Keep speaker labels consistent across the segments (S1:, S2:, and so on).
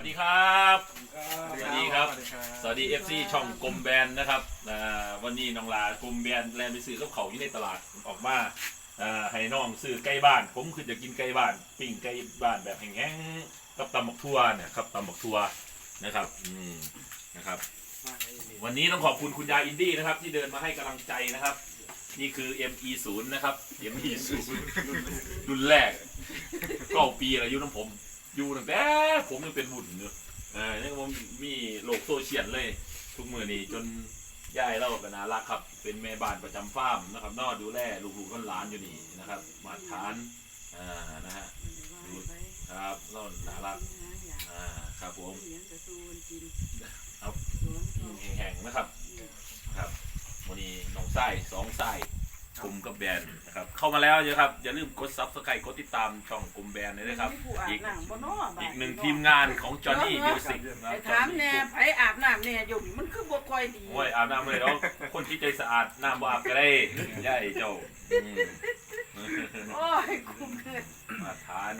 S1: วัสดีครับสวัสดีครับสวัสดี FC ช่องกลมแบนนะครับวันนี้น้องลากลมแบนแลนไปซื้อกับเขาอยู่ในตลาดออกมาให้น้องซื้อไก่บ้านผมคือจะกินไก่บ้านปิ้งไก่บ้านแบบแห้งๆกับตำบักทั่วเนี่ยครับตำบักทั่วนะครับนะครับวันนี้ต้องขอบคุณคุณยายอินดี้นะครับที่เดินมาให้กำลังใจนะครับนี่คือ ME0 นะครับ ME0 รุ่นแรก9 ปีอายุน้ำผมอยู่ตั้งแต่ผมยังเป็นบุญเนอะนี่ผมมีโลกโซเชียลเลยทุกมือนี้จนย่ายเราก็น่ารักครับเป็นแม่บ้านประจำฟาร์มนะครับนอดูแลลูกๆหลานอยู่นี่นะครับมาทานนะฮะครับเราน่ารักครับผมครับแห้งๆนะครับครับวันนี้น้องไส้2 ไส้กลุ่มกับแบรนด์นะครับเข้ามาแล้วเยอะครับอย่าลืมกดซับสไครต์กดติดตามช่องกลุ่มแบรนด์เลยนะครับอีกหนึ่งทีมงานของจอห์นนี่มิวสิก
S2: ถามแน่ไผอาบน้ำเนี่ยอยู่มันคือบ่ค่อยดี
S1: โอ้ยอาบน้ำเลยแล้วคนที่ใจสะอาดน้ำบ่อาบก็ได้ย่าเจ้า
S2: โอ้ยคุ้มเลย
S1: มาทาน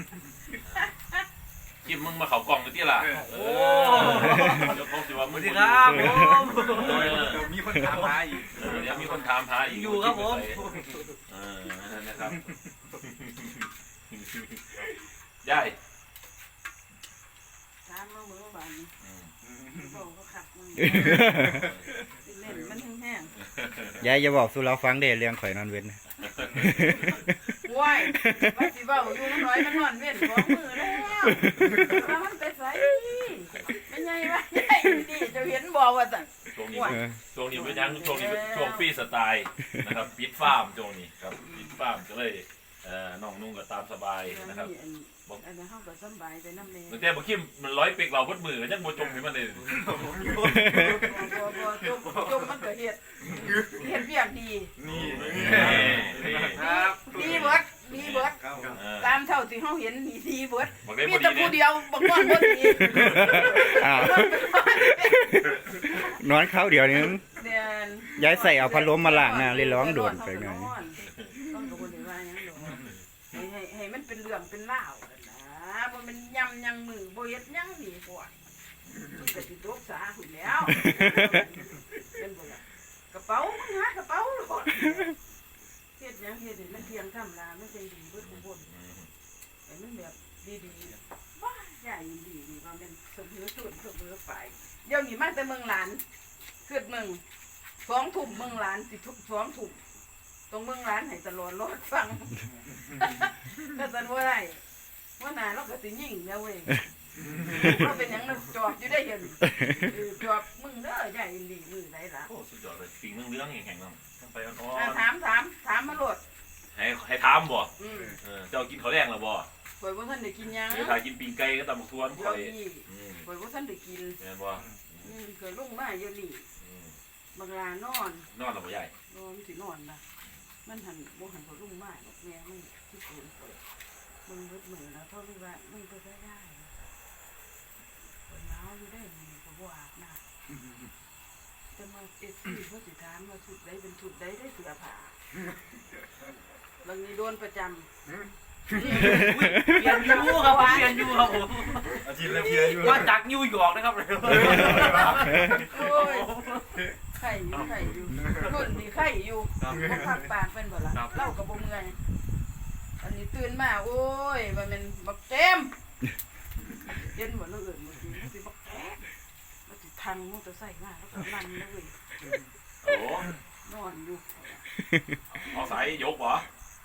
S1: กินมึงมาเขากล่องกันที่ล่ะโอ้เดี๋ยวเขาสิว่ามึงดีครับ
S3: มีคนถามหาอีก
S1: เดี๋ยวมีคนถามหาอีก
S3: อยู่ครับผม
S1: นะครับย่าย
S2: ถามมาเมื่อวานนี้บอกเขาขับมึงเล่นมันแห้ง
S4: ยายจะบอกสู่เราฟังเด้เรื่องข่อยนอนเว้น
S2: ว้ายว่าสิเว้าอยู่น้อยมันนอนเว้น2 มื้อแล้วว่ามันไปไสเป็นไงวะใหญ่ดีจะเห็นบ่ว่าซั่น
S1: ช่วงนี้เป็นยังช่วงนี้เป็นช่วงฟรีสไตล์นะครับปิดฟาร์มช่วงนี้ครับปิดฟาร์มก็เลยน้องนุ่งก็ตามสบายนะครับ
S2: บอกอันนี้เฮาก็สบายไปนำแน่
S1: แต่บ่คิมมันร้อยเป็กเราบดมือก็ยังบ่จมให้มันเลย
S2: บ่จมมันก็เฮ็ดเวียกดี
S3: นี่
S2: ครับดีเบิดตามเท่าที่เฮาเห็นนี่ดีเบิดมีแต่ผู้เดียวบ่นอนบ่ดี
S4: นอนเขาเดียวนี้ยายใส่เอาพัดลมมาล้างหน้าเลยร้องโดนไปหน่อย
S2: ให้มันเป็นเรื่องเป็นราวนะบ่มันยำยังมือบ่เฮ็ดยังดีกว่ามันก็สิตกสาหุ่นแล้วเป็นบ่ล่ะกระเป๋ามึงหากระเป๋าโลดเฮ็ดหยังเฮ็ดให้มันเที่ยงธรรมดามันจังดีเบิดทุกคนให้มันแบบดีๆว้าใหญ่ดีนี่ว่ามันเสมอต้นเสมอปลายเดี๋ยวนี้มาแต่เมืองหลานเกิดเมือง2 ทุ่มเมืองหลานสิ2 ทุ่มตรงเมืองร้านให้ตลอดรถฟังก็จะว่าไรว่านาเราก็สิยิ่งแล้วเว้ยเราเป็นอย่างนั้นจอบอยู่ได้เห็นจอบมึงเด้อใหญ่ดีมือไหนล่ะ
S1: โอ้สุดยอดเลยปิงเรื่องแข็งๆต้องไปอ่
S2: อนถามมาโหลด
S1: ให้ถามบ่เจ้ากินข้าวแรงหรือบ่
S2: ข่อยว่าท่านได้กินยัง
S1: เดี๋ยวถ่ายกินปิงไก่ก็ตำบักทวนข่อย
S2: ว่าท่านได้กิน
S1: แม่นบ่
S2: เคยลงมาเยอะนี่บางลานอน
S1: หรือบ่ใหญ่
S2: นอนสินอนนะมันหันบ่หันเขาลุ่มมากแม่มันที่ปูนเปิดมึงเบิดมือแล้วเท่าที่ว่ามึงก็ได้คนหนาวอยู่ได้มึงก็บ่อาบน้ำจะมาFCเขาสิถามว่าชุดใดเป็นชุดใดได้เสื้อผ้าบางทีโดนประจำ
S3: เปลี่ยนยูครับเปลี่ยนยูครับผม
S4: อาทิตย์ละเพียอยู่
S3: ว่าจากนิวยอร์กนะครับ
S2: โอ้ยไข่อยู่รุ่นนี่ไข่อยู่ผักปากเป็นบ่ล่ะเล่ากับบ่เมื่อยอันนี้ตื่นมาโอ้ยว่ามันบักเต็มเย็นบ่เอื่นเมื่อกี้สิบักแต๊กมันสิทางมอเตอร์ไซค์มาแล้วก็ลั่นแล้วเว้ย
S1: โอ้
S2: นอนอยู่
S1: เอาสายยกบ่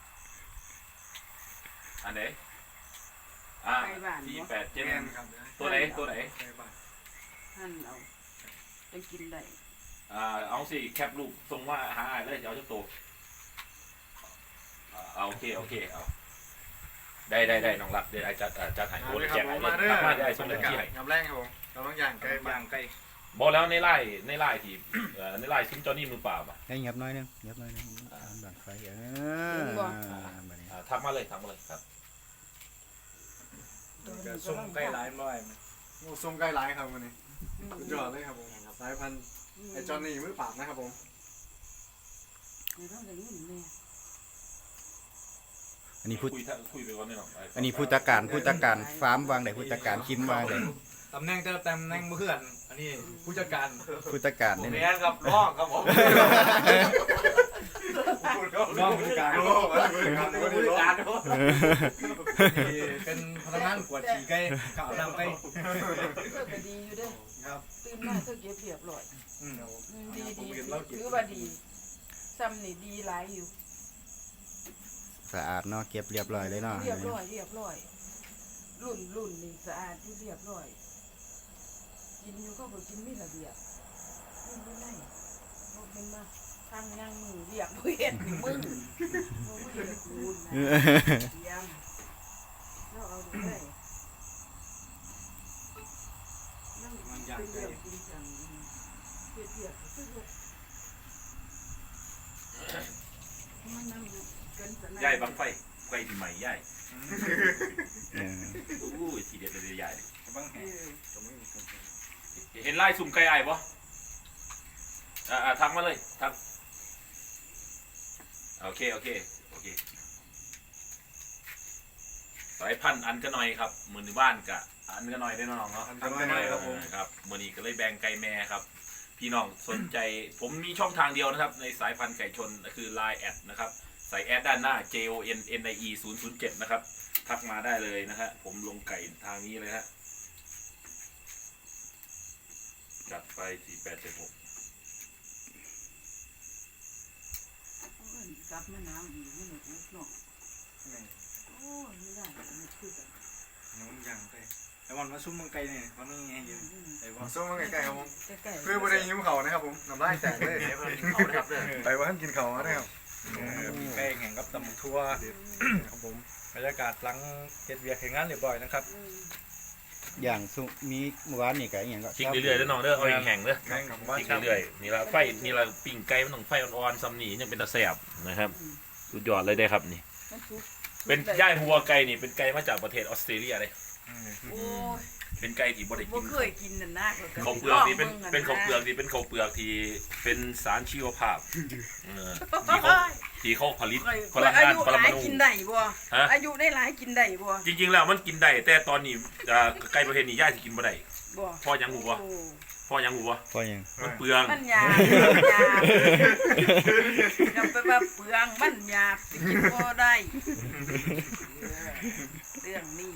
S1: อันไหนที่8 7ตัวไหน
S2: หั่นเอาจะกินได้
S1: เอาสิแคปรูปส่งว่าหาเลยเดี๋ยวจะโตโอเคเอาได้น้องรักเดี๋ยวจะถ่ายโอ้ยแจกให้เลยมาได้ส่งเลยที่ไหน
S3: น้ำแรงครับผมเราต้องย่างไก่
S1: บอกแล้วในไล่ที่ในไล่ซุ้มจอนี่มือเปล่าป่ะ
S4: ให้เงียบน้อยนึงบังไฟ
S1: ทักมาเลยครับ
S3: ส่งไก่หลายบ่อยส่งไก่หลายครับวันนี้สุดยอดเลยครับผมสายพันธุ์ไอจอนนี่มือปราบนะครับผม
S4: อันนี้พูด
S1: คุยไปก่อนนี่หรอ
S4: อันนี้พุทธการฟาร์มวางไหนพุทธการคิมวางไหน
S3: ตำแหน่งเพื่อนอันนี้ผู้จัดการ
S4: ผู้จัดการ
S5: ผม
S4: นี่
S5: แม่ครับร้องครับผม
S3: น้องผู้จัดการ
S5: ผู้จัดการ
S3: เป็นพนักงานกวาดฉี่ไก่ข่าวน้ำไก่
S2: เธอก็ดีอยู่เด้อ
S3: ครับ
S2: ตื่นมาเธอเก็บเรียบร้อย ดีถือว่าดีซ้ำนี่ดีหลายอยู่
S4: สะอาดเนาะเก็บเรียบร้อยเลยเนาะ
S2: เรียบร้อยรุ่นนี่สะอาดที่เรียบร้อยกินอยู่ก็บ่กินมีระเบียบนี่บ่ได้บ่เป็นมาทางย่างมือเรียกบ่เฮ็ดนี่มึงบ่เฮ็ดกูนนะเตรียมแล้วเอาดูได้นั่งเป็นเรื่องจริงจังเฮ็ดเรียบซื่อๆมันนั่งเกินสนั่น
S1: ย่ายบังไฟไฟที่ใหม่ย่าย
S4: เออ
S1: อู้ยทีเด็ดเลยย่าย
S3: บ้างแห
S1: เห็นไล่สุ่มไก่ไอ้ปะทักมาเลยทักโอเคสายพันธุ์อันก็หน่อยครับมือในบ้านกะอันก็หน่อยได้น้องเนาะ
S3: อันก็น้อยครับผม
S1: ครับมือนี้ก็เลยแบ่งไก่แม่ครับ พี่น้องสนใจผมมีช่องทางเดียวนะครับในสายพันธุ์ไก่ชนคือ Line แอดนะครับใส่แอดด้านหน้า JONNIE 007นะครับทักมาได้เลยนะฮะผมลงไก่ทางนี้เลยฮะจัดไป4876
S2: กลับมาน้ำอีกไม่หนุกเนาะโอ้ยไม่ได้มันคือกัน
S3: น้องยังไก่แต่วันมาซุ่มมังไก่เนี่ยเขานี่ไงยืนไอ้บอล
S6: ส้มมาใกล้ๆครับผม
S2: ใกล้ๆ
S6: เพื่อบ่ได้ยิ้มเขานะครับผมน้ำลายแตกเลย
S5: เอาเลยครับเด้อ
S6: ไปว่าท่านกินเขานะครับ
S3: มีไก่แข่งกับตำทั่ว
S6: ครับผม
S3: บรรยากาศหลังเฮ็ดเวียกเฮ็ดงานเรียบร้อยนะครับ
S4: อย่างสุมีเมื่อวานนี่ก็อหย่างก็
S1: พลิกเรื่อยๆเด้อน้องเด้อเอาแห้งๆเด้อ
S6: แม่งของ
S1: พ
S6: บ้าน
S1: ลิกเรื่อยๆนี่ละไฟนี่ละปิ้งไก่มันต้องไฟอ่อนๆซ้ำนี่ยังเป็นตะแสบนะครับสุดยอดเลยได้ครับนี่
S2: มันสุก
S1: เป็นย่ายหัวไก่นี่เป็นไก่มาจากประเทศออสเตรเลียเลย
S2: โอ้ย
S1: เป็นไก่ที่บ่ได้
S2: บ่
S1: กิน
S2: เคยกินน่ะนะ
S1: ข้าวเปลือกนี่เป็นข้าวเปลือกที่เป็นข้าวเปลือกที่เป็นสารชีวภาพที่เขาผลิตพลังงานปรมาณู
S2: กินได้บ่
S1: ฮะ
S2: อายุได้หลายกินได้บ่
S1: จริงๆแล้วมันกินได้แต่ตอนนี้ไก่ประเภทนี้ย่ายสิกินบ่ได้
S2: บ่
S1: พ่อยังหูบ่พ่อยังหูบ่
S4: พอยัง
S1: มันเปลือง
S2: มันหยาบอย่าไปว่าเปลืองมันหยาบสิกินบ่ได้เรื่องนี้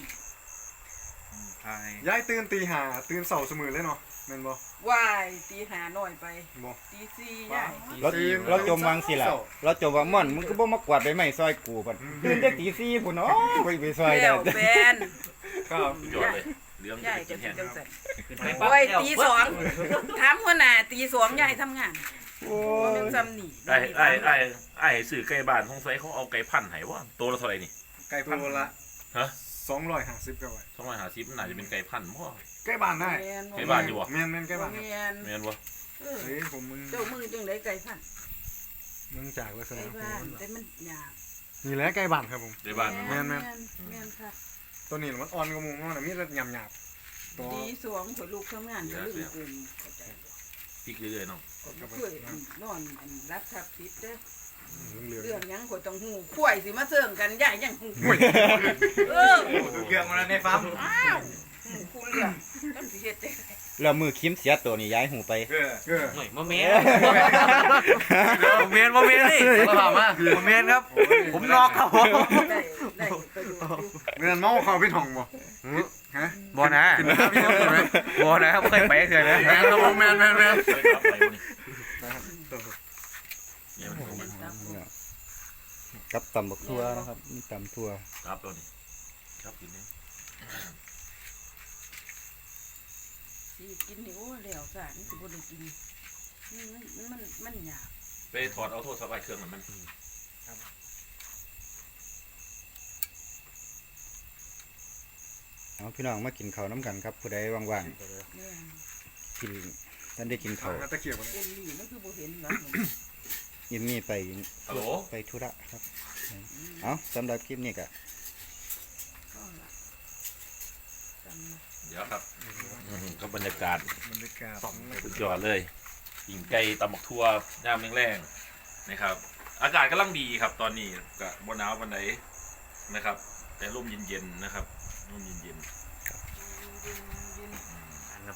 S6: ย้ายตื่นตีห้าตื่นเสาร์เสมอเลยเนาะแม่นบ่
S2: ว่ายตีหาหน่อยไป
S6: บ่
S2: ตีสี่ใหญ่
S4: เราจมวางสิล่ะเราจมว่าม่อนมึงก็บ่มากวาดใบไม้ซอยกูบัดตื่นแต่ตี4พุ่นเนาะไปซอยได้
S2: แล้วแฟน
S6: ครับ
S1: สุดยอดเลยเรื่อง
S2: ใหญ่
S1: จะ
S2: จะ
S1: กิน
S2: เป็น
S1: แห้ง
S2: จังซั่นโอ้ยตีสองถามหัวหน้าตีสองใหญ่ทำงาน
S4: โอ้
S2: บ่
S4: ย
S2: แม่นซ้ำนี่
S1: ไอ้สื่อไก่บ้านของไซเขาเอาไก่พันธุ์ให้ว่าตัวละเท่าไหร่นี่
S6: ไก่พันละ
S1: ฮะ
S6: 250ครับไว้
S1: 250มันน่าจะเป็นไก่พันธุ์บ่
S6: ใกล้บ้านได้
S1: ไก่บ้านอยู่บ่
S6: แม่นใกล้บ้านครับ
S2: แม่น
S1: แม่นบ่
S2: เออ
S6: เฮ้ยผมมึง
S2: เจ้ามือจังได๋ไก่พัน
S6: มึงจากลักษ
S2: ไก่
S6: ณะ
S2: บ้านแต่มันหยาบ
S6: นี่แหละใกล้บ้านครับผม
S1: ไก่บ้าน
S6: แม่น
S2: แม่นค่ะ
S6: ตัวนี้มันอ่อนกว่าหมูมันน่ะมีแต่หยาบๆตัว
S2: ตีสองข่อยลูกทำงานก็ลืมเกินเข้าใจบ่
S1: พริกเรื่อยๆน้อง
S2: บ่เคยนอนอันรับทับติดเด้อ
S6: เหลือง
S2: เรื่องหยังข่อยต้องฮู้ข่อยสิมาเสิร์งกันยายยังฮู้เออ
S3: เกี่ยงมาในฟาร์ม
S2: อ้าวฮู้คู่เรื่องจังสิเฮ็ดจังได๋
S4: แล้วมือคิมเสียตัวนี่ย้ายหูไป
S6: ๆเออ
S5: หน่อยโมเมนต์โมเมนต์นี่มาถามมาโมเมนต์ครับ ผมนอกครับผม
S2: ได้ประโยชน์อยู่
S6: เงินเมาเข้าไปห้องบ่ฮะ
S5: บอนะ
S6: ขึ้นมาพี่น้องไหม
S5: บอนะครับเคยไปเคยนะ
S6: แม่นครับผมแม่น
S1: ไปครับไปบ่นี่เนี่ยมันเข้ามา
S4: กับตำบักทั่วนะครับมีตำทั่ว
S1: ครับตัวนี้ครับกินเนี่ย
S2: สิกินนี่โอ้แล้วซะนี่สิบ่ได้กินมันหยาบ
S1: ไปถอดเอาโทรศัพท์ไอ้เครื่องมัน
S4: เอาพี่น้องมากินข้าวน้ำกันครับผู้ใดว่าง
S2: แม่น
S4: ๆกินท่านได้กินข้าว
S6: ตะเกียบบ่
S2: เอ็นนี่มันคือบ่เห็นหรอก
S4: ยิมมี่ไป
S1: ฮัลโหล
S4: ไปธุระครับเอาสำหรับคลิปนี้ก็
S2: ก็ล่ะจำนะ
S1: เดี๋ยวครับก็บรรยากาศ
S6: บรรยากาศ
S1: สุดยอดเลยหิ่งไก่ตำบักทั่วย่ามแรงๆนะครับ อากาศกำลังดีครับ ตอนนี้ก็บ่หนาวปานใดนะครับ แต่ลมเย็นๆนะครับลมเย็นๆ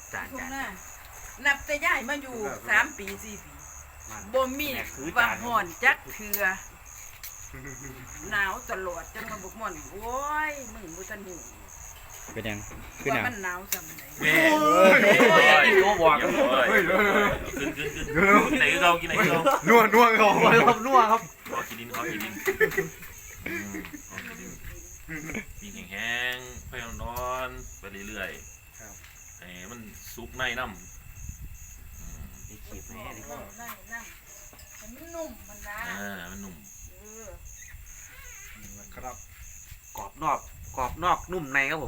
S2: ทุ่งหน้านับแต่ย้ายมาอยู่3 ปี 4 ปีบ่มีว่าฮ้อนจักเทื่อหนาวตลอดจังมาบอกม่อนโอ้ยมึงบ่ทันหู
S4: เป็นยังคือห
S2: ว่า
S4: นัง
S2: มันหนาวจังได๋
S1: แม่
S5: โอ้บอก
S3: เฮ้ย
S1: ขึ้นกินไหนก็กินไหนก็
S3: นัวเขา
S5: ครับนัวครับ
S1: ขอกินดินมีแห้งๆไปนอนไปเรื่อยๆไอ้มันซุปในน้ำ
S5: นี่ขีดแม่นี่
S2: นั่นให้มันนุ่มมันนะ
S1: มันนุ่ม
S3: ครับ
S5: กรอบนอกนุ่มในครับผม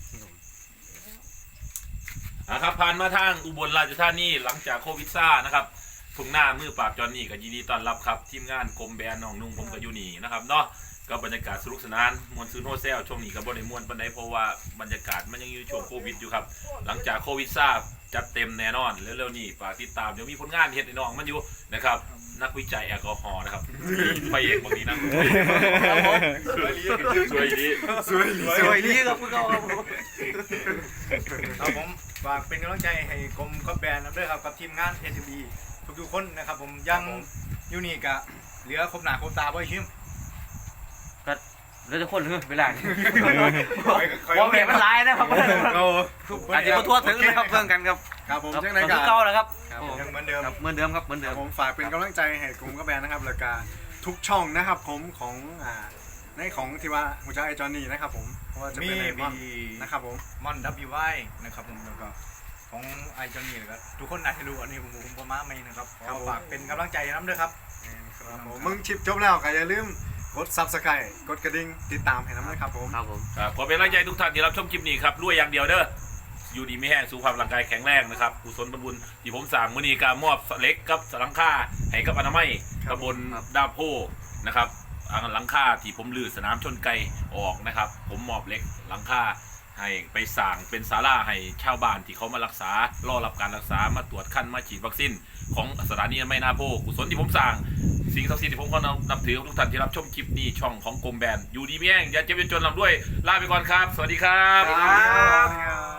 S1: ครับผ่านมาทางอุบลราชธานีหลังจากโควิดซ่านะครับทุ่งหน้ามือปราบจอนนี่ก็ยินดีต้อนรับครับทีมงานกรมแบนน้องนุ่งผมกับยูนี่นะครับเนาะก็บรรยากาศสนุกสนานมวนซื้อโฮเซลช่วงนี้ก็บ่ได้มวนปานใดเพราะว่าบรรยากาศมันยังอยู่ช่วงโควิดอยู่ครับหลังจากโควิดซ่าจัดเต็มแน่นอนเร็วๆนี้ฝากติดตามเดี๋ยวมีผลงานเฮ็ดให้น้องมันอยู่นะครับนักวิจัยแอลกอฮอล์นะครับไปเองบางทีนะสวยดี
S3: สวย
S5: ลีครับพวกเราครับผม
S6: ครับผมฝากเป็นกำลังใจให้กรมกับแบรนด์ด้วยครับกับทีมงาน SMB ทุกๆคนนะครับผมยังยูนิคอะเหลือครบหนาครบตาบ่ชิม
S5: แล้วจะคนเวลาว่าแม่มันลายนะครับอาจจะมาทั่วถึงนะครับเพื่อนกันครับ
S3: ครับผม
S5: ครับ
S3: จังได๋
S5: คื
S3: กั
S5: อน เก่าแล้วครับ
S6: ยังเหมือนเดิม
S5: เหมือนเดิมครับเหมือนเดิม
S3: ผมฝากเป็นกำลังใจให้กลุ่มกระแบนนะครับแล้วก็ทุกช่องนะครับผมของในของที่ว่าหัวใจไอจอนนี่นะครับผมเพราะว่าจะ
S6: มี
S3: เป็นในมอน
S6: มี
S3: นะครับผม
S6: มอน WY นะครับผมแล้วก็ของไอจอนนี่แล้วก็ทุกคนน่าจะรู้อันนี้ผมประมาณไม่นะครับขอฝากเป็นกำลังใจน้ำด้วยครับ
S3: ครับผมมึงชิปจบแล้วก็อย่าลืมกด Subscribe กดกระดิ่งติดตามให้น้ำนะครับผม
S5: ครับผม
S1: ขอเป็นกำลังใจทุกท่านที่รับชมคลิปนี้ครับรวยอย่างเดียวเด้ออยู่ดีไม่แห้งสุขภาพร่างกายแข็งแรงนะครับกุศลบุญที่ผมสั่งมื้อนี้ก็มอบเล็กกับหลังคาให้กับอนามัยตำบลดาโพนะครับหลังคาที่ผมลือสนามชนไก่ออกนะครับผมมอบเล็กหลังคาให้ไปสั่งเป็นศาลาให้ชาวบ้านที่เขามารักษารอรับการรักษามาตรวจคั้นมาฉีดวัคซีนของสถานีอนามัยนาโพกุศลที่ผมสั่งสิ่งศักดิ์สิทธิ์ที่ผมก็นับถือทุกท่านที่รับชมคลิปนี้ช่องของกรมแบนอยู่ดีไม่แห้งอย่าเจ็บอย่าจนลำด้วยลาไปก่อนครับสวัสดีครับ
S3: ครับ